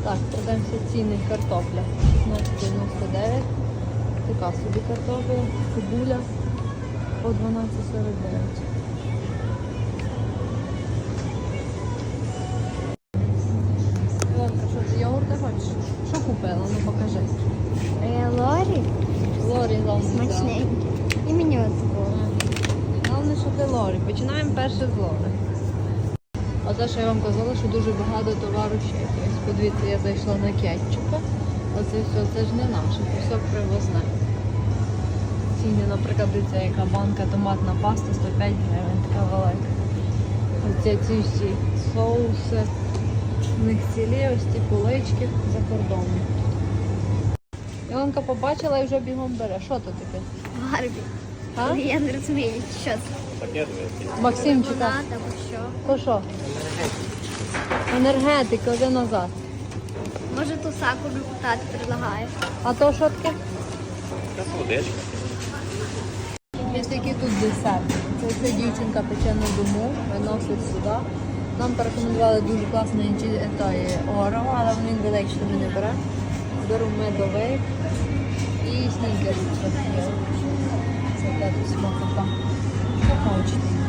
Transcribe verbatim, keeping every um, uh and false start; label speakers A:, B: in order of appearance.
A: Так, продаємося ціни картопля. шістнадцять дев'яносто дев'ять. Така собі картопля, цибуля по дванадцять сорок дев'ять. Ілонка, що ти йогурти хочеш? Що купила? Ну покажи.
B: Е, Лорі
A: Лорі головне.
B: смачненький. І мені от було.
A: Головне, що ти Лорі. Починаємо перше з Лорі. Оце, що я вам казала, що дуже багато товару ще є. Подивіться, я зайшла на кетчупа. Оце все, це ж не наше, це все привозне. Ціни, наприклад, дивіться, яка банка томатна паста сто п'ять гривень, така велика. Оце ці всі соуси. У них цілі ось ці полички за кордоном. Ілонка побачила і вже бігом бере. Що то таке?
B: Барбі.
A: А?
B: Я не розумію, що це.
C: Пакет вийти.
A: Максимчика.
B: Лимонад або що.
A: То що? Енергетик, один назад.
B: Може ту сакуру тати предлагає.
A: А то що таке?
C: Якась водичка.
A: Є такі тут десерти. Це ця дівчинка пече на дому, виносить сюди. Нам порекомендували дуже класний орео, але він великий, що ми не беремо. Беру медовик і снігерс. Це та тут смакота. Що хочете.